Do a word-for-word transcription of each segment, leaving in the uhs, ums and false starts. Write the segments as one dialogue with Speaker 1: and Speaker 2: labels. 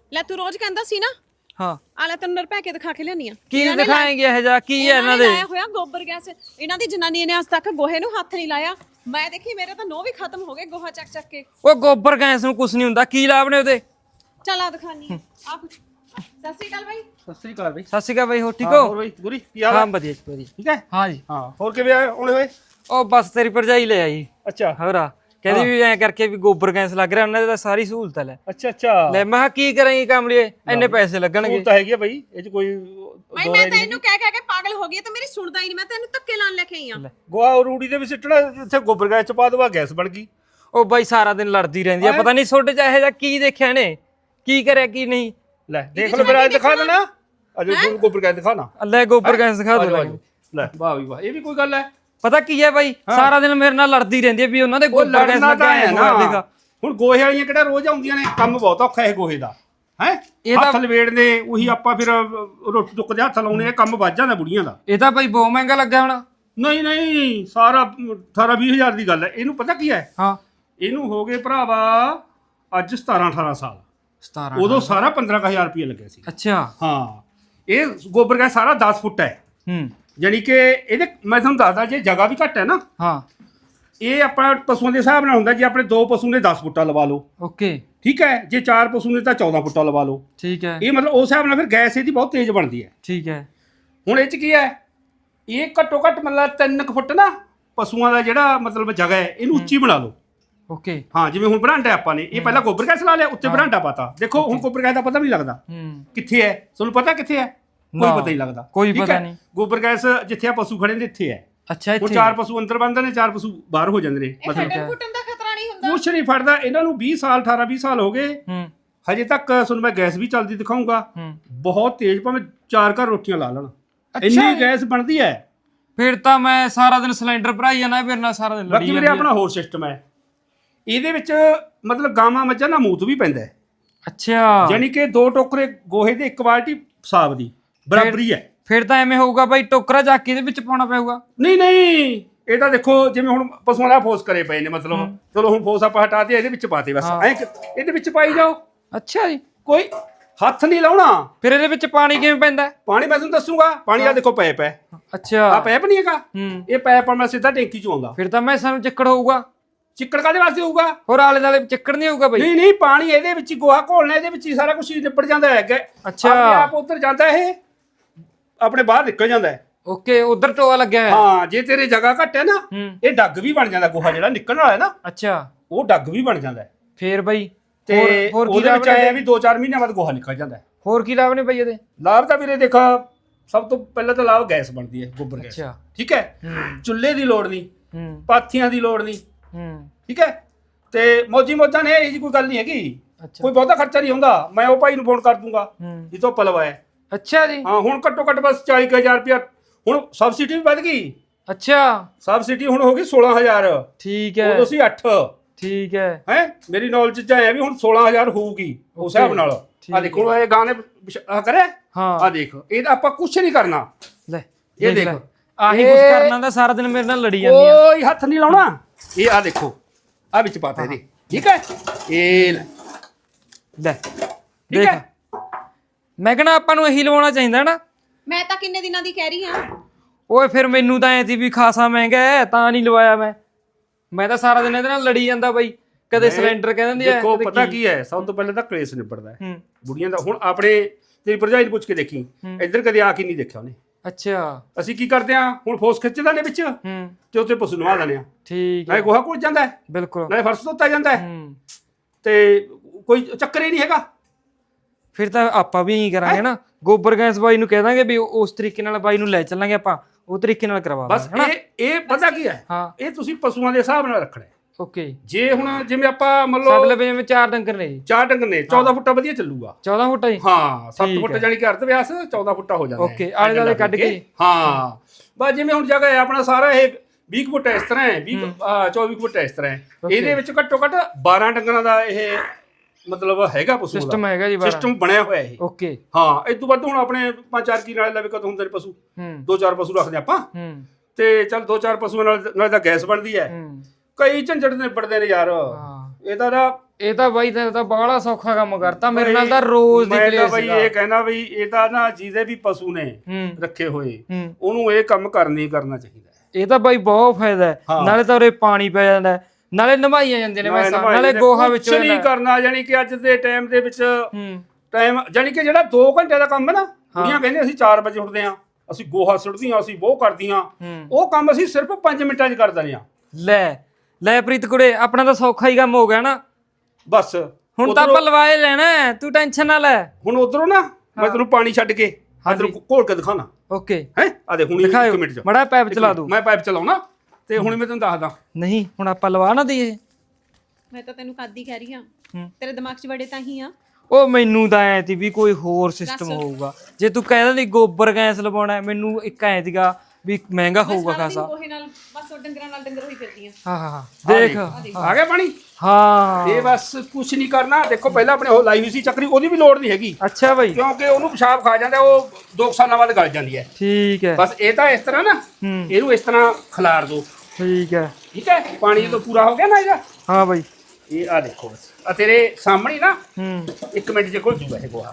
Speaker 1: ਲੈ ਤੂੰ ਰੋਜ਼ ਕਹਿੰਦਾ ਸੀ ਨਾ।
Speaker 2: ਹਾਂ
Speaker 1: ਆ ਲੈ ਤੈਨੂੰ ਰੁਪਏ ਕੇ ਦਿਖਾ ਕੇ ਲਿਆਨੀ ਆ।
Speaker 2: ਕੀ ਦਿਖਾਏਂਗੇ ਇਹ ਜਾ ਕੀ ਹੈ ਇਹਨਾਂ ਦੇ?
Speaker 1: ਲਾਇਆ ਹੋਇਆ ਗੋਬਰ ਗੈਸ। ਇਹਨਾਂ ਦੀ ਜਨਾਨੀ ਨੇ ਅੱਜ ਤੱਕ ਗੋਹੇ ਨੂੰ ਹੱਥ ਨਹੀਂ ਲਾਇਆ। ਮੈਂ ਦੇਖੀ ਮੇਰੇ ਤਾਂ ਨੋ ਵੀ ਖਤਮ ਹੋ ਗਏ ਗੋਹਾ ਚੱਕ ਚੱਕ ਕੇ।
Speaker 2: ਉਹ ਗੋਬਰ ਗੈਸ ਨੂੰ ਕੁਛ ਨਹੀਂ ਹੁੰਦਾ, ਕੀ ਲਾਭ ਨੇ ਉਹਦੇ?
Speaker 1: ਚੱਲ ਆ ਦਿਖਾਨੀ ਆ ਆ ਕੁਛ। ਸਤਿ ਸ਼੍ਰੀ ਅਕਾਲ ਬਾਈ।
Speaker 3: ਸਤਿ ਸ੍ਰੀ ਅਕਾਲ ਬਈ।
Speaker 2: ਸਤਿ ਸ਼੍ਰੀ ਅਕਾਲ ਬਾਈ, ਹੋ ਠੀਕ
Speaker 3: ਹੋਰ
Speaker 2: ਹੋ?
Speaker 3: ਬਈ ਗੁਰੀ ਕੀ ਹਾਲ
Speaker 2: ਹਾਂ
Speaker 3: ਹੈ?
Speaker 2: ਵਧੀਆ ਜੀ, ਵਧੀਆ
Speaker 3: ਠੀਕ ਹੈ।
Speaker 2: ਹਾਂ ਜੀ।
Speaker 3: ਹਾਂ ਹੋਰ ਕਿਵੇਂ ਆਏ ਆਉਣੇ ਹੋਏ?
Speaker 2: ਉਹ ਬਸ ਤੇਰੀ ਭਰਜਾਈ ਲੈ ਆਈ।
Speaker 3: ਅੱਛਾ
Speaker 2: ਹੋਰ ਆ ਕਹਿੰਦੀ ਵੀ ਐ ਕਰਕੇ ਵੀ ਗੋਬਰ ਗੈਸ ਲੱਗ ਰਿਹਾ, ਉਹਨਾਂ ਦੇ ਤਾਂ ਸਾਰੀ ਸਹੂਲਤ ਲੈ।
Speaker 3: ਅੱਛਾ ਅੱਛਾ
Speaker 2: ਲੈ ਮੈਂ ਕਿਹਾ ਕੀ ਕਰਾਂਗੇ ਕੰਮ ਲਈ, ਇੰਨੇ ਪੈਸੇ ਲੱਗਣਗੇ।
Speaker 3: ਉਹ ਤਾਂ ਹੈਗੀ ਆ ਬਈ, ਇਹ ਚ ਕੋਈ
Speaker 1: ਬਾਈ ਮੈਂ ਤਾਂ ਇਹਨੂੰ ਕਹਿ ਕਹਿ ਕੇ ਪਾਗਲ ਹੋ ਗਈ ਤੇ ਮੇਰੀ ਸੁਣਦਾ ਹੀ ਨਹੀਂ। ਮੈਂ ਤੈਨੂੰ ਧੱਕੇ ਲਾਣ ਲੈ ਕੇ ਆਈ ਆ।
Speaker 3: ਗੋਹਾ ਰੂੜੀ ਦੇ ਵੀ ਸਿੱਟਣਾ, ਇੱਥੇ ਗੋਬਰ ਗੈਸ ਚ ਪਾ ਦਵਾ, ਗੈਸ ਬਣ ਗਈ।
Speaker 2: ਉਹ ਬਾਈ ਸਾਰਾ ਦਿਨ ਲੜਦੀ ਰਹਿੰਦੀ ਆ, ਪਤਾ ਨਹੀਂ ਛੋਟੇ ਚ ਇਹੋ ਜਿਹਾ ਕੀ ਦੇਖਿਆ ਨੇ, ਕੀ ਕਰਿਆ ਕੀ ਨਹੀਂ।
Speaker 3: ਲੈ ਦੇਖ ਲਓ, ਫਿਰ ਅੱਜ ਦਿਖਾ ਦੇਣਾ। ਅਜੇ ਤੁਹਾਨੂੰ ਗੋਬਰ ਗੈਸ ਦਿਖਾਣਾ।
Speaker 2: ਲੈ ਗੋਬਰ ਗੈਸ ਦਿਖਾ ਦੋ।
Speaker 3: ਲੈ ਵਾਹ ਵੀ ਵਾਹ, ਇਹ ਵੀ ਕੋਈ ਗੱਲ ਹੈ?
Speaker 2: ਪਤਾ ਕੀ ਹੈ ਬਾਈ, ਸਾਰਾ ਦਿਨ ਮੇਰੇ ਨਾਲ ਲੜਦੀ ਰਹਿੰਦੀ ਹੈ ਵੀ ਉਹਨਾਂ ਦੇ ਗੋਬਰ ਗੈਸ ਲੱਗਾ ਹੈ ਨਾ।
Speaker 3: ਹੁਣ ਗੋਹੇ ਵਾਲੀਆਂ ਕਿਹੜਾ ਰੋਜ਼ ਆਉਂਦੀਆਂ ਨੇ, ਕੰਮ ਬਹੁਤ ਔਖਾ ਹੈ ਗੋਹੇ ਦਾ। ਹੈ ਹੱਥ ਲਵੇੜਨੇ, ਉਹੀ ਆਪਾਂ ਫਿਰ ਰੋਟੀ ਟੁੱਕ ਦੇ ਹੱਥ ਲਾਉਣੇ, ਇਹ ਕੰਮ ਵੱਜ ਜਾਂਦਾ ਬੁੜੀਆਂ ਦਾ।
Speaker 2: ਇਹ ਤਾਂ ਬਾਈ ਬਹੁਤ ਮਹਿੰਗਾ ਲੱਗਾ ਹੋਣਾ।
Speaker 3: ਨਹੀਂ ਨਹੀਂ, ਸਾਰਾ ਅਠਾਰਾਂ ਵੀਹ ਹਜ਼ਾਰ ਦੀ ਗੱਲ ਹੈ। ਇਹਨੂੰ ਪਤਾ ਕੀ ਹੈ?
Speaker 2: ਹਾਂ
Speaker 3: ਇਹਨੂੰ ਹੋ ਗਏ ਭਰਾਵਾ ਅੱਜ ਸਤਾਰਾਂ ਅਠਾਰਾਂ ਸਾਲ।
Speaker 2: ਸਤਾਰਾਂ
Speaker 3: ਉਦੋਂ ਸਾਰਾ ਪੰਦਰਾਂ ਹਜ਼ਾਰ ਰੁਪਏ ਲੱਗਿਆ ਸੀ।
Speaker 2: ਅੱਛਾ
Speaker 3: ਹਾਂ, ਇਹ ਗੋਬਰ ਗੈਸ ਸਾਰਾ ਦਸ ਫੁੱਟ ਹੈ।
Speaker 2: ਹੂੰ
Speaker 3: ਯਾਨੀ ਕਿ ਇਹਦੇ ਮੈਂ ਤੁਹਾਨੂੰ ਦੱਸਦਾ, ਜੇ ਜਗ੍ਹਾ ਵੀ ਘੱਟ ਹੈ ਨਾ,
Speaker 2: ਹਾਂ
Speaker 3: ਇਹ ਆਪਣਾ ਪਸ਼ੂਆਂ ਦੇ ਹਿਸਾਬ ਨਾਲ ਹੁੰਦਾ। ਜੇ ਆਪਣੇ ਦੋ ਪਸ਼ੂ ਨੇ ਦਸ ਫੁੱਟਾ ਲਵਾ ਲਓ,
Speaker 2: ਓਕੇ
Speaker 3: ਠੀਕ ਹੈ। ਜੇ ਚਾਰ ਪਸ਼ੂ ਨੇ ਤਾਂ ਚੌਦਾਂ ਫੁੱਟਾ ਲਵਾ ਲਓ।
Speaker 2: ਠੀਕ ਹੈ
Speaker 3: ਇਹ ਮਤਲਬ ਉਸ ਹਿਸਾਬ ਨਾਲ ਫਿਰ ਗੈਸ ਇਹਦੀ ਬਹੁਤ ਤੇਜ਼ ਬਣਦੀ ਹੈ।
Speaker 2: ਠੀਕ ਹੈ।
Speaker 3: ਹੁਣ ਇਹ ਚ ਕੀ ਹੈ, ਇਹ ਘੱਟੋ ਘੱਟ ਮਤਲਬ ਤਿੰਨ ਕੁ ਫੁੱਟ ਨਾ ਪਸ਼ੂਆਂ ਦਾ ਜਿਹੜਾ ਮਤਲਬ ਜਗ੍ਹਾ ਹੈ, ਇਹਨੂੰ ਉੱਚੀ ਬਣਾ ਲਓ।
Speaker 2: ਓਕੇ
Speaker 3: ਹਾਂ, ਜਿਵੇਂ ਹੁਣ ਬਰਾਂਡਾ ਆਪਾਂ ਨੇ, ਇਹ ਪਹਿਲਾਂ ਗੋਬਰ ਗੈਸ ਲਾ ਲਿਆ, ਉੱਤੇ ਬਰਾਂਡਾ ਪਾਤਾ। ਦੇਖੋ ਹੁਣ ਗੋਬਰ ਗੈਸ ਦਾ ਪਤਾ ਵੀ ਨਹੀਂ ਲੱਗਦਾ
Speaker 2: ਹੂੰ
Speaker 3: ਕਿੱਥੇ ਹੈ। ਤੁਹਾਨੂੰ ਪਤਾ ਕਿੱਥੇ ਹੈ? ਕੋਈ ਪਤਾ ਨਹੀਂ ਲੱਗਦਾ।
Speaker 2: ਕੋਈ
Speaker 3: ਠੀਕ
Speaker 2: ਪਤਾ
Speaker 3: ਹੈ?
Speaker 2: ਨਹੀਂ।
Speaker 3: ਗੋਬਰ ਗੈਸ ਜਿੱਥੇ ਆ ਪਸ਼ੂ ਖੜੇ ਨੇ ਇੱਥੇ ਹੈ।
Speaker 2: ਅੱਛਾ
Speaker 3: ਹੁਣ
Speaker 2: ਇੱਥੇ
Speaker 3: ਚਾਰ ਪਸ਼ੂ ਅੰਦਰ ਬੰਦੇ ਨੇ, ਚਾਰ ਪਸ਼ੂ ਬਾਹਰ ਹੋ ਜਾਂਦੇ ਨੇ।
Speaker 1: ਇਹ
Speaker 3: ਮਤਲਬ
Speaker 1: ਫਟਣ ਫੁੱਟਣ ਦਾ ਖਤਰਾ ਨਹੀਂ ਹੁੰਦਾ।
Speaker 3: ਕੁਛ ਨਹੀਂ ਫੜਦਾ ਇਹਨਾਂ ਨੂੰ। ਵੀਹ ਸਾਲ ਅਠਾਰਾਂ ਵੀਹ ਸਾਲ ਹੋ ਗਏ,
Speaker 2: ਹੂੰ
Speaker 3: ਹਜੇ ਤੱਕ ਤੁਹਾਨੂੰ ਮੈਂ ਗੈਸ ਵੀ ਚੱਲਦੀ ਦਿਖਾਊਂਗਾ।
Speaker 2: ਹੂੰ
Speaker 3: ਬਹੁਤ ਤੇਜ਼, ਭਾਵੇਂ ਚਾਰ ਘਰ ਰੋਟੀਆਂ ਲਾ ਲੈਣ, ਇੰਨੀ ਗੈਸ ਬਣਦੀ ਹੈ।
Speaker 2: ਫਿਰ ਤਾਂ ਮੈਂ ਸਾਰਾ ਦਿਨ ਸਿਲੰਡਰ ਭਰਾਈ ਜਾਣਾ, ਫਿਰ ਨਾ ਸਾਰਾ ਦਿਨ ਲੜੀ
Speaker 3: ਬਾਕੀ ਮੇਰੇ ਆਪਣਾ ਹੋਰ ਸਿਸਟਮ ਹੈ। ਇਹਦੇ ਵਿੱਚ ਮਤਲਬ ਗਾਵਾਂ ਮੱਝਾਂ ਦਾ ਮੂਤ ਵੀ ਪੈਂਦਾ ਹੈ।
Speaker 2: ਅੱਛਾ
Speaker 3: ਯਾਨੀ ਕਿ ਦੋ ਟੋਕਰੇ ਗੋਹੇ ਦੇ ਇੱਕ ਬਾਲਟੀ ਸਾਬ ਦੀ ਬਰਾਬਰੀ ਹੈ।
Speaker 2: ਫਿਰ ਤਾਂ ਐਵੇਂ ਹੋਊਗਾ ਬਾਈ, ਟੋਕਰਾ ਚੱਕ ਕੇ ਇਹਦੇ ਵਿੱਚ ਪਾਉਣਾ ਪਊਗਾ।
Speaker 3: ਨਹੀਂ ਨਹੀਂ, ਇਹ ਤਾਂ ਦੇਖੋ ਜਿਵੇਂ ਹੁਣ ਪਸ਼ੂਆਂ ਦਾ ਫੋਸ ਕਰੇ ਪਏ ਨੇ, ਮਤਲਬ ਚਲੋ ਹੁਣ ਫੋਸ ਆਪਾਂ ਹਟਾ ਦੇ, ਇਹਦੇ ਵਿੱਚ ਪਾਤੇ ਬਸ ਐ, ਇਹਦੇ ਵਿੱਚ ਪਾਈ ਜਾਓ।
Speaker 2: ਅੱਛਾ ਜੀ,
Speaker 3: ਕੋਈ ਹੱਥ ਨਹੀਂ ਲਾਉਣਾ।
Speaker 2: ਫਿਰ ਇਹਦੇ ਵਿੱਚ ਪਾਣੀ ਕਿਵੇਂ ਪੈਂਦਾ?
Speaker 3: ਪਾਣੀ ਮੈਂ ਤੁਹਾਨੂੰ ਦੱਸੂਗਾ। ਪਾਣੀ ਆ ਦੇਖੋ ਪੈਪ ਹੈ।
Speaker 2: ਅੱਛਾ
Speaker 3: ਆ ਪੈਪ ਨਹੀਂ ਹੈਗਾ,
Speaker 2: ਹੂੰ
Speaker 3: ਇਹ ਪੈਪ ਮੈਂ ਸਿੱਧਾ ਟੈਂਕੀ ਚ ਆਉਂਦਾ।
Speaker 2: ਫਿਰ ਤਾਂ ਮੈਂ ਸਾਨੂੰ ਚੱਕੜ ਹੋਊਗਾ।
Speaker 3: ਚਿੱਕੜ ਕਾਦੇ ਵਾਸਤੇ ਹੋਊਗਾ?
Speaker 2: ਹੋਰ ਆਲੇ ਨਾਲੇ ਚੱਕੜ ਨਹੀਂ ਹੋਊਗਾ ਬਾਈ?
Speaker 3: ਨਹੀਂ ਨਹੀਂ, ਪਾਣੀ ਇਹਦੇ ਵਿੱਚ ਹੀ, ਗੋਹਾ ਘੋਲਣਾ ਇਹਦੇ ਵਿੱਚ ਹੀ, ਸਾਰਾ ਕੁਝ ਨਿਪਟ ਜਾਂਦਾ ਹੈ।
Speaker 2: ਅੱਛਾ।
Speaker 3: ਆਪਣੇ ਆਪ ਉੱਧਰ ਜਾਂਦਾ, ਇਹ ਆਪਣੇ ਬਾਹਰ ਨਿਕਲ ਜਾਂਦਾ ਹੈ।
Speaker 2: ਓਕੇ, ਉਧਰ ਟੋਆ ਲੱਗਿਆ ਹੋਇਆ।
Speaker 3: ਹਾਂ, ਜੇ ਤੇਰੇ ਜਗ੍ਹਾ ਘੱਟ ਹੈ ਨਾ,
Speaker 2: ਹੂੰ
Speaker 3: ਇਹ ਡੱਗ ਵੀ ਬਣ ਜਾਂਦਾ। ਗੋਹਾ ਜਿਹੜਾ ਨਿਕਲਣ ਵਾਲਾ ਹੈ ਨਾ,
Speaker 2: ਅੱਛਾ
Speaker 3: ਉਹ ਡੱਗ ਵੀ ਬਣ ਜਾਂਦਾ ਹੈ।
Speaker 2: ਫੇਰ ਬਾਈ
Speaker 3: ਤੇ
Speaker 2: ਹੋਰ ਕੀ
Speaker 3: ਉਹਦੇ
Speaker 2: ਲਾਭ
Speaker 3: ਵਿੱਚ ਆਇਆ ਵੀ ਦੋ ਚਾਰ ਮਹੀਨਿਆਂ ਬਾਅਦ ਗੋਹਾ ਨਿਕਲ ਜਾਂਦਾ ਹੈ।
Speaker 2: ਹੋਰ ਕੀ ਲਾਭ ਨੇ ਬਾਈ ਇਹਦੇ?
Speaker 3: ਲਾਭ ਤਾਂ ਵੀਰੇ ਦੇਖਾ, ਸਭ ਤੋਂ ਪਹਿਲਾਂ ਤਾਂ ਲਾਭ ਗੈਸ ਬਣਦੀ ਹੈ, ਗੋਬਰ ਗੈਸ।
Speaker 2: ਅੱਛਾ
Speaker 3: ਠੀਕ ਹੈ।
Speaker 2: ਹੂੰ
Speaker 3: ਚੁੱਲ੍ਹੇ ਦੀ ਲੋੜ ਨਹੀਂ,
Speaker 2: ਹੂੰ
Speaker 3: ਪਾਥੀਆਂ ਦੀ ਲੋੜ ਨਹੀਂ।
Speaker 2: ਹੂੰ
Speaker 3: ਠੀਕ ਹੈ। ਤੇ ਮੌਜੀ ਮੌਜਾਂ ਨੇ, ਇਹ ਜੀ ਕੋਈ ਗੱਲ ਨਹੀਂ ਹੈਗੀ।
Speaker 2: ਅੱਛਾ
Speaker 3: ਕੋਈ ਬਹੁਤਾ ਖਰਚਾ ਨਹੀਂ ਹੁੰਦਾ। ਮੈਂ ਉਹ ਭਾਈ ਨੂੰ ਫੋਨ ਕਰ ਦੂੰਗਾ
Speaker 2: ਹੂੰ
Speaker 3: ਜਿੱਥੋਂ ਪਲਵਾਇਆ।
Speaker 2: ਅੱਛਾ ਜੀ।
Speaker 3: ਹਾਂ, ਹੁਣ ਘੱਟੋ ਘੱਟ ਬਸ ਚਾਲੀ ਕੁ ਹਜ਼ਾਰ ਰੁਪਇਆ। ਹੁਣ ਸਬਸਿਡੀ ਵੀ ਵੱਧ ਗਈ।
Speaker 2: ਅੱਛਾ
Speaker 3: ਸਬਸਿਡੀ ਹੁਣ ਹੋ ਗਈ ਸੋਲਾਂ ਹਜ਼ਾਰ।
Speaker 2: ਠੀਕ ਹੈ।
Speaker 3: ਉਦੋਂ ਸੀ ਅੱਠ।
Speaker 2: ਠੀਕ ਹੈ।
Speaker 3: ਹੈ ਮੇਰੀ ਨੌਲੇਜ ਚ ਆਇਆ ਵੀ ਹੁਣ ਸੋਲਾਂ ਹਜ਼ਾਰ ਹੋਊਗੀ ਉਸ ਹਿਸਾਬ ਨਾਲ। ਆ ਦੇਖੋ ਹੁਣ ਇਹ ਗਾਣੇ ਆ ਕਰੇ।
Speaker 2: ਹਾਂ
Speaker 3: ਆ ਦੇਖ, ਇਹ ਤਾਂ ਆਪਾਂ ਕੁਛ ਨਹੀਂ ਕਰਨਾ।
Speaker 2: ਲੈ
Speaker 3: ਇਹ ਦੇਖ,
Speaker 2: ਆਹੀ ਕੁਝ ਕਰਨਾ ਦਾ, ਸਾਰਾ ਦਿਨ ਮੇਰੇ ਨਾਲ ਲੜੀ ਜਾਂਦੀ ਆ।
Speaker 3: ਕੋਈ ਹੱਥ ਨਹੀਂ ਲਾਉਣਾ। ਇਹ ਆ ਦੇਖੋ, ਆ ਵਿੱਚ ਪਾਤਾ ਇਹਦੇ। ਠੀਕ ਹੈ। ਇਹ ਲੈ
Speaker 2: ਲੈ
Speaker 3: ਠੀਕ
Speaker 2: ਦੇਖ,
Speaker 3: ਹੈ।
Speaker 2: ਮੈਂ ਕਹਣਾ ਆਪਾਂ ਨੂੰ ਇਹੀ ਲਵਾਉਣਾ ਚਾਹੀਦਾ ਨਾ।
Speaker 1: ਮੈਂ ਤਾਂ ਕਿੰਨੇ ਦਿਨਾਂ ਦੀ ਕਹਿ ਰਹੀ ਆ।
Speaker 2: ਓਏ ਫਿਰ ਮੈਨੂੰ ਤਾਂ ਐ ਸੀ ਵੀ ਖਾਸਾ ਮਹਿੰਗਾ ਹੈ, ਤਾਂ ਨਹੀਂ ਲਵਾਇਆ ਮੈਂ। ਮੈਂ ਤਾਂ ਸਾਰਾ ਦਿਨ ਇਹਦੇ ਨਾਲ ਲੜੀ ਜਾਂਦਾ ਬਾਈ। ਕਦੇ ਸਿਲੰਡਰ ਕਹਿ ਦਿੰਦੀ ਐ।
Speaker 3: ਦੇਖੋ ਪਤਾ ਕੀ ਹੈ, ਸਭ ਤੋਂ ਪਹਿਲਾਂ ਤਾਂ ਕਲੇਸ਼ ਨਿਬੜਦਾ ਹੈ
Speaker 2: ਹੂੰ
Speaker 3: ਬੁੜੀਆਂ ਦਾ। ਹੁਣ ਆਪਣੇ ਤੇਰੀ ਭਰਜਾਈ ਨੂੰ ਪੁੱਛ ਕੇ ਦੇਖੀ, ਇੱਧਰ ਕਦੇ ਆ ਕੇ ਨਹੀਂ ਦੇਖਿਆ ਉਹਨੇ।
Speaker 2: ਅੱਛਾ
Speaker 3: ਅਸੀਂ ਕੀ ਕਰਦੇ ਆ, ਹੁਣ ਫੋਸ ਖਿੱਚਦਾ ਨੇ ਵਿੱਚ
Speaker 2: ਹੂੰ
Speaker 3: ਤੇ ਉੱਤੇ ਪਸ਼ੂ ਨਵਾ ਦਿੰਦੇ ਆ।
Speaker 2: ਠੀਕ
Speaker 3: ਨਾਲੇ
Speaker 2: ਹੈ,
Speaker 3: ਗੋਹਾ ਘੁਲ ਜਾਂਦਾ ਹੈ,
Speaker 2: ਬਿਲਕੁਲ।
Speaker 3: ਨਾਲੇ ਫਰਸ਼ ਧੋਤਾ ਜਾਂਦਾ ਹੈ,
Speaker 2: ਹੂੰ
Speaker 3: ਤੇ ਕੋਈ ਚੱਕਰ ਹੀ ਨਹੀਂ ਹੈਗਾ।
Speaker 2: ਫਿਰ ਤਾਂ ਆਪਾਂ ਵੀ ਇਹੀ ਕਰਾਂਗੇ ਨਾ। ਗੋਬਰ ਗੈਸ ਬਾਈ ਨੂੰ ਕਹਿ ਦਾਂਗੇ ਵੀ ਉਸ ਤਰੀਕੇ ਨਾਲ ਬਾਈ ਨੂੰ ਲੈ ਚੱਲਾਂਗੇ ਆਪਾਂ, ਉਹ ਤਰੀਕੇ ਨਾਲ ਕਰਵਾ
Speaker 3: ਬਸ
Speaker 2: ਦਾਂਗੇ।
Speaker 3: ਇਹ ਇਹ ਪਤਾ ਕੀ ਹੈ,
Speaker 2: ਹਾਂ
Speaker 3: ਇਹ ਤੁਸੀਂ ਪਸ਼ੂਆਂ ਦੇ ਹਿਸਾਬ ਨਾਲ ਰੱਖਣਾ ਹੈ।
Speaker 2: ਓਕੇ।
Speaker 3: ਜੇ ਹੁਣ ਜਿਵੇਂ ਆਪਾਂ ਮੰਨ
Speaker 2: ਸਾਡੇ
Speaker 3: ਲਓ
Speaker 2: ਲਵੇ ਜਿਵੇਂ ਚਾਰ ਡੰਗਰ ਨੇ ਜੀ,
Speaker 3: ਚਾਰ ਡੰਗਰ ਨੇ, ਚੌਦਾਂ ਫੁੱਟਾ ਵਧੀਆ ਚੱਲੂਗਾ।
Speaker 2: ਚੌਦਾਂ ਫੁੱਟ ਜੀ।
Speaker 3: ਹਾਂ, ਸੱਤ
Speaker 2: ਠੀਕ
Speaker 3: ਫੁੱਟ
Speaker 2: ਹੈ।
Speaker 3: ਜਾਨੀ ਕਿ ਅਰਧ ਵਿਆਸ, ਚੌਦਾਂ ਫੁੱਟਾ ਹੋ ਜਾਂਦਾ ਹੈ।
Speaker 2: ਓਕੇ, ਆਲੇ ਦੁਆਲੇ ਕੱਢ ਕੇ।
Speaker 3: ਹਾਂ, ਬਸ ਜਿਵੇਂ ਹੁਣ ਜਗ੍ਹਾ ਹੈ ਆਪਣਾ ਸਾਰਾ ਇਹ ਵੀਹ ਕੁ ਫੁੱਟ ਇਸ ਤਰ੍ਹਾਂ ਹੈ, ਵੀਹ ਚੌਵੀ ਕੁ ਫੁੱਟ ਇਸ ਤਰ੍ਹਾਂ ਹੈ। ਇਹਦੇ ਵਿੱਚ ਘੱਟੋ ਘੱਟ ਬਾਰਾਂ ਡੰਗਰਾਂ ਦਾ ਇਹ ਮਤਲਬ ਹੈਗਾ ਪਸ਼ੂ ਦਾ
Speaker 2: ਸਿਸਟਮ ਹੈਗਾ ਜੀ ਬਾਰਾਂ।
Speaker 3: ਸਿਸਟਮ ਬਣਿਆ ਹੋਇਆ ਇਹ।
Speaker 2: ਓਕੇ।
Speaker 3: ਹਾਂ, ਇਸ ਤੋਂ ਵੱਧ ਹੁਣ ਆਪਣੇ ਪੰਜ ਚਾਰ ਕੀ ਨਾਲ ਲਵੇ ਕਦੋਂ ਹੁੰਦੇ ਨੇ ਪਸ਼ੂ,
Speaker 2: ਹੂੰ
Speaker 3: ਦੋ ਚਾਰ ਪਸ਼ੂ ਰੱਖਦੇ ਆਪਾਂ।
Speaker 2: ਹੂੰ
Speaker 3: ਤੇ ਚੱਲ ਦੋ ਚਾਰ ਪਸ਼ੂਆਂ ਨਾਲ ਨਾਲ ਤਾਂ ਗੈਸ ਬਣਦੀ ਹੈ।
Speaker 2: ਹੂੰ
Speaker 3: ਕਈ ਝੰਜਟ ਨਿਬੜਦੇ ਨੇ ਯਾਰ।
Speaker 2: ਹਾਂ
Speaker 3: ਇਹਦਾ ਨਾ
Speaker 2: ਇਹ ਤਾਂ ਬਾਈ ਤੈਨੂੰ ਤਾਂ ਬਾਹਲਾ ਸੌਖਾ ਕੰਮ ਕਰਤਾ ਮੇਰੇ ਨਾਲ ਤਾਂ ਰੋਜ਼ ਦੀ
Speaker 3: ਮੈਂ ਤਾਂ
Speaker 2: ਕਲੇਸ਼
Speaker 3: ਬਈ
Speaker 2: ਸੀਗਾ।
Speaker 3: ਇਹ ਕਹਿਣਾ ਵੀ ਇਹ ਤਾਂ ਨਾ ਜਿਹਦੇ ਵੀ ਪਸ਼ੂ ਨੇ
Speaker 2: ਹੂੰ
Speaker 3: ਰੱਖੇ ਹੋਏ
Speaker 2: ਹੂੰ
Speaker 3: ਉਹਨੂੰ ਇਹ ਕੰਮ ਕਰਨੀ ਕਰਨਾ ਚਾਹੀਦਾ ਹੈ।
Speaker 2: ਇਹ ਤਾਂ ਬਾਈ ਬਹੁਤ ਫਾਇਦਾ ਹੈ
Speaker 3: ਹਾਂ।
Speaker 2: ਨਾਲੇ ਤਾਂ ਉਰੇ ਪਾਣੀ ਪੈ ਜਾਂਦਾ ਹੈ, ਨਾਲੇ ਨਵਾਈਆਂ ਜਾਂਦੇ ਨੇ ਮੈਸਾਂ, ਨਾਲੇ ਗੋਹਾ ਵਿੱਚ
Speaker 3: ਕੁਛ ਨਹੀਂ ਕਰਨਾ, ਯਾਨੀ ਕਿ ਅੱਜ ਦੇ ਟਾਈਮ ਦੇ ਵਿੱਚ
Speaker 2: ਹੂੰ
Speaker 3: ਟਾਈਮ ਯਾਨੀ ਕਿ ਜਿਹੜਾ ਦੋ ਘੰਟੇ ਦਾ ਕੰਮ ਹੈ ਨਾ, ਕੁੜੀਆਂ ਕਹਿੰਦੇ ਅਸੀਂ ਚਾਰ ਵਜੇ ਉੱਠਦੇ ਹਾਂ, ਅਸੀਂ ਗੋਹਾ ਸੁੱਟਦੀਆਂ, ਅਸੀਂ ਉਹ ਕਰਦੀਆਂ,
Speaker 2: ਹੂੰ
Speaker 3: ਉਹ ਕੰਮ ਅਸੀਂ ਸਿਰਫ ਪੰਜ ਮਿੰਟਾਂ 'ਚ ਕਰ ਦਿੰਦੇ ਹਾਂ।
Speaker 2: ਲੈ ਲੈ ਪ੍ਰੀਤ ਕੁੜੇ ਆਪਣਾ ਤਾਂ ਸੌਖਾ ਹੀ ਕੰਮ ਹੋ ਗਿਆ ਨਾ।
Speaker 3: ਬਸ
Speaker 2: ਹੁਣ ਤਾਂ ਆਪਾਂ ਲਵਾਏ ਲੈਣਾ ਹੈ, ਤੂੰ ਟੈਨਸ਼ਨ ਨਾ ਲੈ।
Speaker 3: ਹੁਣ ਉਧਰੋਂ ਨਾ ਮੈਂ ਤੈਨੂੰ ਪਾਣੀ ਛੱਡ ਕੇ ਤੈਨੂੰ ਘੋਲ ਕੇ ਦਿਖਾਣਾ
Speaker 2: ਓਕੇ
Speaker 3: ਹੈ। ਆ ਦੇਖ ਹੁਣ ਇੱਕ ਮਿੰਟ 'ਚ
Speaker 2: ਮੜਾ ਪੈਪ ਚਲਾ ਦੂ।
Speaker 3: ਮੈਂ ਪਾਈਪ ਚਲਾਉਣਾ ਤੇ ਹੁਣ ਮੈਂ ਤੈਨੂੰ ਦੱਸਦਾ।
Speaker 2: ਨਹੀਂ ਹੁਣ ਆਪਾਂ ਲਵਾ ਨਾ ਦਈਏ।
Speaker 1: ਮੈਂ ਤਾਂ ਤੈਨੂੰ ਕਦ ਦੀ ਕਹਿ ਰਹੀ ਆ,
Speaker 2: ਹੂੰ।
Speaker 1: ਤੇਰੇ ਦਿਮਾਗ 'ਚ ਬੜੇ ਤਾਂ ਹੀ ਆ।
Speaker 2: ਉਹ ਮੈਨੂੰ ਤਾਂ ਐ ਤੀ ਵੀ ਕੋਈ ਹੋਰ ਸਿਸਟਮ ਹੋਊਗਾ। ਜੇ ਤੂੰ ਕਹਿ ਦਿੰਦੀ ਗੋਬਰ ਗੈਸ ਲਵਾਉਣਾ ਹੈ, ਮੈਨੂੰ ਇੱਕ ਐ ਸੀਗਾ ਵੀ ਮਹਿੰਗਾ ਹੋਊਗਾ ਖਾਸਾ।
Speaker 1: ਗੋਹੇ ਨਾਲ ਬਸ ਉਹ ਡੰਗਰਾਂ ਨਾਲ ਡੰਗਰ ਹੋਈ ਫਿਰਦੀਆਂ।
Speaker 2: ਹਾਂ ਹਾਂ ਹਾਂ ਦੇਖ
Speaker 3: ਆ ਗਿਆ ਪਾਣੀ।
Speaker 2: ਹਾਂ
Speaker 3: ਇਹ ਬਸ ਕੁਝ ਨਹੀਂ ਕਰਨਾ। ਦੇਖੋ ਪਹਿਲਾਂ ਆਪਣੇ ਉਹ ਲਾਈ ਹੋਈ ਸੀ ਚੱਕਰੀ, ਉਹਦੀ ਵੀ ਲੋੜ ਨਹੀਂ ਹੈਗੀ
Speaker 2: ਅੱਛਾ ਬਾਈ,
Speaker 3: ਕਿਉਂਕਿ ਉਹਨੂੰ ਪਿਸ਼ਾਬ ਖਾ ਜਾਂਦਾ, ਉਹ ਦੋ ਸਾਲਾਂ ਬਾਅਦ ਗਲ ਜਾਂਦੀ ਹੈ।
Speaker 2: ਠੀਕ ਹੈ
Speaker 3: ਬਸ ਇਹ ਤਾਂ ਇਸ ਤਰ੍ਹਾਂ ਨਾ
Speaker 2: ਹੂੰ
Speaker 3: ਇਹਨੂੰ ਇਸ ਤਰ੍ਹਾਂ ਖਿਲਾਰ ਦੋ।
Speaker 2: ਠੀਕ ਹੈ
Speaker 3: ਠੀਕ ਹੈ, ਪਾਣੀ ਜਦੋਂ ਪੂਰਾ ਹੋ ਗਿਆ ਨਾ ਇਹਦਾ,
Speaker 2: ਹਾਂ ਬਾਈ
Speaker 3: ਇਹ ਆ ਦੇਖੋ ਬਸ ਆ ਤੇਰੇ ਸਾਹਮਣੇ ਨਾ
Speaker 2: ਹੂੰ
Speaker 3: ਇੱਕ ਮਿੰਟ 'ਚ ਘੁਲ ਜੂਗਾ ਇਹ ਗੋਹਾ।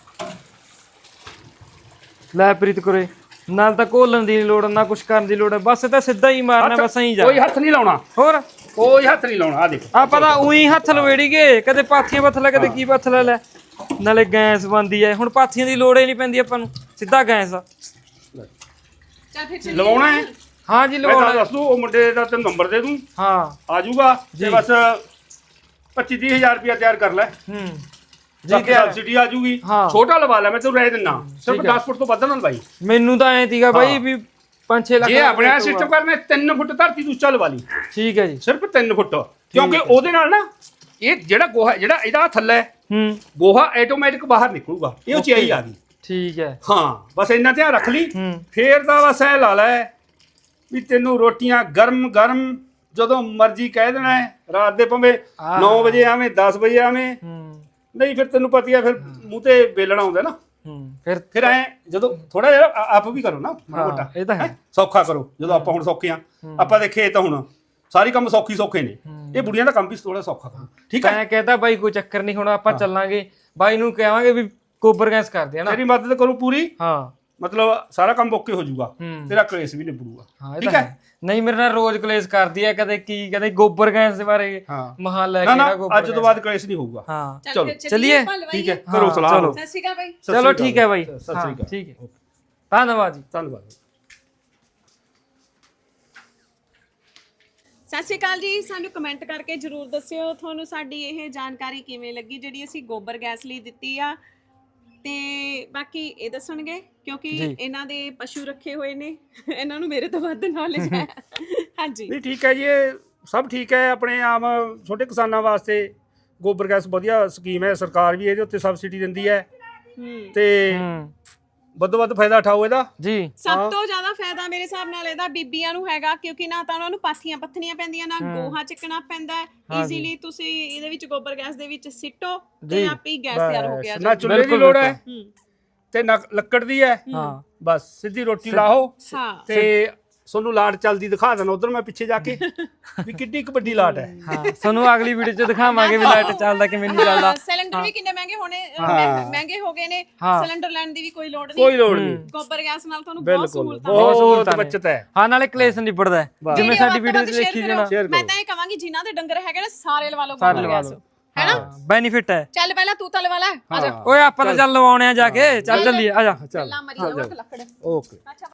Speaker 2: ਲੈ ਪ੍ਰੀਤ ਕੁਰੇ ਨਾਲ ਤਾਂ ਘੋਲਣ ਦੀ ਨੀ ਲੋੜ ਨਾ ਕੁਛ ਕਰਨ ਦੀ ਲੋੜ ਹੈ, ਬਸ ਇਹ ਤਾਂ ਸਿੱਧਾ ਹੀ ਮਾਰਨਾ ਬਸ ਐਂ ਜਾ।
Speaker 3: ਕੋਈ ਹੱਥ ਨਹੀਂ ਲਾਉਣਾ,
Speaker 2: ਹੋਰ
Speaker 3: ਕੋਈ ਹੱਥ ਨਹੀਂ ਲਾਉਣਾ। ਆ ਦੇਖੋ
Speaker 2: ਆਪਾਂ ਤਾਂ ਉਹੀ ਹੱਥ ਲਵੇੜੀ ਗਏ, ਕਦੇ ਪਾਥੀਆਂ ਪੱਥ ਲੈ ਕਦੇ ਕੀ ਪੱਥ ਲੈ ਲੈ। ਨਾਲੇ ਗੈਸ ਬੰਦੀ ਐ, ਹੁਣ ਪਾਥੀਆਂ ਦੀ ਲੋੜ ਹੀ ਨਹੀਂ ਪੈਂਦੀ ਆਪਾਂ ਨੂੰ, ਸਿੱਧਾ ਗੈਸ।
Speaker 1: ਚੱਲ ਫਿਰ ਚੱਲੀਏ।
Speaker 3: ਲਵਾਉਣਾ ਹੈ।
Speaker 2: ਹਾਂ ਜੀ
Speaker 3: ਮੈਂ
Speaker 2: ਲਵਾਉਣਾ
Speaker 3: ਤਾਂ ਦੱਸ ਦੂੰ, ਉਹ ਮੁੰਡੇ ਦਾ ਤੈਨੂੰ ਨੰਬਰ ਦੇ ਦੂੰ,
Speaker 2: ਹਾਂ
Speaker 3: ਆ ਜਾਊਗਾ ਤੇ ਬਸ ਪੱਚੀ ਤੀਹ ਹਜ਼ਾਰ ਰੁਪਇਆ ਤਿਆਰ ਕਰ ਲੈ।
Speaker 2: ਹੂੰ
Speaker 3: ਜੀ ਕਿ ਸਬਸਿਡੀ ਆ ਜੂਗੀ।
Speaker 2: ਹਾਂ।
Speaker 3: ਛੋਟਾ ਲਵਾ ਲੈ, ਮੈਂ ਤੈਨੂੰ ਰਹਿ ਦਿੰਨਾ ਸਿਰਫ ਦਸ ਫੁੱਟ ਤੋਂ ਵੱਧ ਨਾ ਲਵਾਈ।
Speaker 2: ਮੈਨੂੰ ਤਾਂ ਐ ਤੀਗਾ ਬਾਈ ਵੀ ਪੰਜ ਛੇ ਲੱਖ
Speaker 3: ਜੇ ਆਪਣੇ ਸਿਸਟਮ ਕਰਨਾ ਤਿੰਨ ਫੁੱਟ ਧਰਤੀ ਤੂੰ ਉੱਚਾ ਲਵਾ ਲਈ,
Speaker 2: ਠੀਕ ਹੈ ਜੀ।
Speaker 3: ਸਿਰਫ ਤਿੰਨ ਫੁੱਟ, ਕਿਉਂਕਿ ਉਹਦੇ ਨਾਲ ਨਾ ਇਹ ਜਿਹੜਾ ਗੋਹਾ ਜਿਹੜਾ ਇਹਦਾ ਥੱਲੇ
Speaker 2: ਹੂੰ
Speaker 3: ਗੋਹਾ ਆਟੋਮੈਟਿਕ ਬਾਹਰ ਨਿਕਲੂਗਾ, ਇਹ ਉਚਾਈ ਆ ਗਈ।
Speaker 2: ਠੀਕ ਹੈ
Speaker 3: ਹਾਂ ਬਸ ਇੰਨਾ ਧਿਆਨ ਰੱਖ ਲਈ।
Speaker 2: ਹੂੰ
Speaker 3: ਫੇਰ ਤਾਂ ਬਸ ਐ ਲਾ ਲੈ ਵੀ ਤੈਨੂੰ ਰੋਟੀਆਂ ਗਰਮ ਗਰਮ ਜਦੋਂ ਮਰਜ਼ੀ ਕਹਿ ਦੇਣਾ ਹੈ, ਰਾਤ ਦੇ ਭਾਵੇਂ ਨੌ ਵਜੇ ਆਵੇਂ ਦਸ ਵਜੇ ਆਵੇਂ,
Speaker 2: ਹੂੰ
Speaker 3: ਨਹੀਂ ਫਿਰ ਤੈਨੂੰ ਪਤੀ ਆ ਫਿਰ ਮੂੰਹ ਤੇ ਵੇਲਣਾ ਹੁੰਦਾ ਨਾ।
Speaker 2: ਹੂੰ ਫਿਰ
Speaker 3: ਫਿਰ ਐ ਜਦੋਂ ਥੋੜਾ ਜਿਹਾ ਆ- ਆਪ ਵੀ ਕਰੋ ਨਾ ਮਾੜਾ
Speaker 2: ਹਾਂ,
Speaker 3: ਮੋਟਾ,
Speaker 2: ਇਹ ਤਾਂ ਹੈ।
Speaker 3: ਸੌਖਾ ਕਰੋ। ਜਦੋਂ ਆਪਾਂ ਹੁਣ ਸੌਖੇ ਆ, ਆਪਾਂ ਦੇਖੇ ਤਾਂ ਹੁਣ ਸਾਰੇ ਕੰਮ ਸੌਖੀ ਸੌਖੇ ਨੇ, ਇਹ ਬੁੜੀਆਂ ਦਾ ਕੰਮ ਵੀ ਥੋੜਾ ਸੌਖਾ ਕਰੋ। ਠੀਕ ਹੈ,
Speaker 2: ਮੈਂ ਕਹਿੰਦਾ ਬਾਈ ਕੋਈ ਚੱਕਰ ਨਹੀਂ, ਹੁਣ ਆਪਾਂ ਚੱਲਾਂਗੇ ਬਾਈ ਨੂੰ ਕਹਾਂਗੇ ਵੀ ਗੋਬਰ ਗੈਸ ਕਰਦੇ ਆ ਨਾ।
Speaker 3: ਤੇਰੀ ਮਦਦ ਕਰੂ ਪੂਰੀ,
Speaker 2: ਹਾਂ
Speaker 3: ਮਤਲਬ ਸਾਰਾ ਕੰਮ ਓਕੇ ਹੋ ਜਾਊਗਾ,
Speaker 2: ਹੂੰ।
Speaker 3: ਤੇਰਾ ਕਲੇਸ਼ ਵੀ ਨਿਬੜੂਗਾ।
Speaker 2: ਹਾਂ ਇਹ
Speaker 3: ਠੀਕ
Speaker 2: ਤਾਂ
Speaker 3: ਹੈ।
Speaker 2: ਹੈ। ਨਹੀਂ ਮੇਰੇ ਨਾਲ ਰੋਜ਼ ਕਲੇਸ਼ ਕਰਦੀ ਹੈ, ਕਦੇ ਕੀ ਕਦੇ ਗੋਬਰ ਗੈਸ ਦੇ ਬਾਰੇ
Speaker 3: ਹਾਂ
Speaker 2: ਮਹਾ ਲੈ
Speaker 3: ਨਾ
Speaker 2: ਕੇ
Speaker 3: ਨਾ
Speaker 2: ਨਾ ਗੋਬਰ
Speaker 3: ਅੱਜ ਤੋਂ ਬਾਅਦ ਕਲੇਸ਼ ਨਹੀਂ ਹੋਊਗਾ।
Speaker 2: ਹਾਂ
Speaker 1: ਚੱਲ
Speaker 3: ਚਲੋ,
Speaker 1: ਫਿਰ
Speaker 2: ਚੱਲੀਏ।
Speaker 1: ਆਪਾਂ ਲਵਾਈਏ।
Speaker 3: ਠੀਕ ਹੈ, ਕਰੋ ਸਲਾਹ।
Speaker 2: ਚਲੋ।
Speaker 1: ਸਤਿ ਸ਼੍ਰੀ ਅਕਾਲ ਬਾਈ।
Speaker 3: ਸਤਿ
Speaker 2: ਚਲੋ
Speaker 3: ਸ਼੍ਰੀ ਅਕਾਲ।
Speaker 2: ਠੀਕ ਹੈ ਬਾਈ,
Speaker 3: ਸਤਿ ਸ਼੍ਰੀ
Speaker 2: ਹਾਂ,
Speaker 3: ਅਕਾਲ।
Speaker 2: ਠੀਕ ਹੈ, ਧੰਨਵਾਦ ਜੀ।
Speaker 3: ਧੰਨਵਾਦ।
Speaker 1: ਸਤਿ ਸ਼੍ਰੀ ਅਕਾਲ ਜੀ। ਸਾਨੂੰ ਕਮੈਂਟ ਕਰਕੇ ਜਰੂਰ ਦੱਸਿਓ ਤੁਹਾਨੂੰ ਸਾਡੀ ਇਹ ਜਾਣਕਾਰੀ ਕਿਵੇਂ ਲੱਗੀ ਜਿਹੜੀ ਅਸੀਂ ਗੋਬਰ ਗੈਸ ਲਈ ਦਿੱਤੀ ਆ। ਤੇ ਬਾਕੀ ਇਹ ਦੱਸਣਗੇ ਕਿਉਂਕਿ ਇਹਨਾਂ ਦੇ ਪਸ਼ੂ ਰੱਖੇ ਹੋਏ ਨੇ, ਇਹਨਾਂ ਨੂੰ ਮੇਰੇ ਤੋਂ ਵੱਧ ਨੌਲੇਜ ਹੈ। ਹਾਂਜੀ
Speaker 3: ਨਹੀਂ ਠੀਕ ਹੈ ਜੀ, ਇਹ ਸਭ ਠੀਕ ਹੈ। ਆਪਣੇ ਆਮ ਛੋਟੇ ਕਿਸਾਨਾਂ ਵਾਸਤੇ ਗੋਬਰ ਗੈਸ ਵਧੀਆ ਸਕੀਮ ਹੈ, ਸਰਕਾਰ ਵੀ ਇਹਦੇ ਉੱਤੇ ਸਬਸਿਡੀ ਦਿੰਦੀ ਹੈ
Speaker 1: ਹੂੰ
Speaker 3: ਤੇ
Speaker 2: ਹੂੰ
Speaker 3: ਵੱਧੋ ਵੱਧ ਫਾਇਦਾ ਉਠਾਓ ਇਹਦਾ।
Speaker 2: ਜੀ
Speaker 1: ਸਭ ਤੋਂ ਜ਼ਿਆਦਾ ਫਾਇਦਾ ਮੇਰੇ ਹਿਸਾਬ ਨਾਲ ਇਹਦਾ ਬੀਬੀਆਂ ਨੂੰ ਹੈਗਾ, ਕਿਉਂਕਿ ਨਾ ਤਾਂ ਉਹਨਾਂ ਨੂੰ ਪਾਥੀਆਂ ਪੱਥਣੀਆਂ ਪੈਂਦੀਆਂ, ਨਾ ਗੋਹਾ ਚੱਕਣਾ ਪੈਂਦਾ। ਈਜ਼ੀਲੀ ਤੁਸੀਂ ਇਹਦੇ ਵਿੱਚ ਗੋਬਰ ਗੈਸ ਦੇ ਵਿੱਚ ਸਿੱਟੋ ਤੇ ਆਪੇ ਹੀ ਗੈਸ ਤਿਆਰ ਹੋ ਗਿਆ।
Speaker 3: ਨਾ ਚੁੱਲ੍ਹੇ ਦੀ ਲੋੜ ਹੈ
Speaker 1: ਹੂੰ
Speaker 3: ਤੇ ਨਾ ਲੱਕੜ ਦੀ ਹੈ।
Speaker 2: ਹਾਂ
Speaker 3: ਬਸ ਸਿੱਧੀ ਰੋਟੀ ਲਾਓ
Speaker 1: ਹਾਂ
Speaker 3: ਤੇ ਤੁਹਾਨੂੰ ਲਾਟ ਚੱਲਦੀ ਦਿਖਾ ਦੇਣਾ ਉਧਰ ਮੈਂ ਪਿੱਛੇ ਜਾ ਕੇ ਵੀ ਕਿੱਡੀ ਕੁ ਵੱਡੀ ਲਾਟ ਹੈ।
Speaker 2: ਹਾਂ ਤੁਹਾਨੂੰ ਅਗਲੀ ਵੀਡੀਓ 'ਚ ਦਿਖਾਵਾਂਗੇ ਵੀ ਲਾਈਟ ਚੱਲਦਾ ਕਿਵੇਂ ਨਹੀਂ ਚੱਲਦਾ।
Speaker 1: ਸਿਲੰਡਰ ਵੀ ਕਿੰਨੇ ਮਹਿੰਗੇ ਹੋਣੇ, ਮਹਿੰਗੇ ਹੋ ਗਏ ਨੇ। ਸਿਲੰਡਰ ਲੈਣ ਦੀ ਵੀ ਕੋਈ ਲੋੜ ਨਹੀਂ,
Speaker 3: ਕੋਈ ਲੋੜ ਨਹੀਂ।
Speaker 1: ਗੋਬਰ ਗੈਸ ਨਾਲ ਤੁਹਾਨੂੰ ਬਹੁਤ ਸਹੂਲਤਾਂ
Speaker 3: ਬਹੁਤ ਬੱਚਤ ਹੈ।
Speaker 2: ਹਾਂ ਨਾਲੇ ਕਲੇਸ਼ ਨਿਬੜਦਾ ਹੈ, ਜਿਵੇਂ ਸਾਡੀ ਵੀਡੀਓ 'ਚ ਦੇਖੀ ਜਾਣਾ।
Speaker 1: ਮੈਂ ਤਾਂ ਇਹ ਕਹਾਂਗੀ ਜਿਨ੍ਹਾਂ ਦੇ ਡੰਗਰ ਹੈਗੇ ਨੇ ਸਾਰੇ ਲਵਾ ਲਓ
Speaker 2: ਸਾਰੇ
Speaker 1: ਗੋਬਰ
Speaker 2: ਲਵਾ
Speaker 1: ਗੈਸ,
Speaker 2: ਲਓ,
Speaker 1: ਹੈਨਾ।
Speaker 2: ਬੈਨੀਫਿਟ ਹੈ।
Speaker 1: ਚੱਲ ਪਹਿਲਾਂ ਤੂੰ ਤਾਂ ਲਵਾ ਲੈ, ਆ ਜਾ।
Speaker 2: ਓਏ ਆਪਾਂ ਤਾਂ ਚੱਲ ਲਵਾਉਣੇ ਆ ਜਾ ਕੇ, ਚੱਲ ਚੱਲੀਏ ਆ ਜਾ।
Speaker 1: ਚੱਲਾਂ ਮਰੀ ਜਾਓ ਲੱਕੜ।
Speaker 3: ਓਕੇ।
Speaker 1: ਅੱਛਾ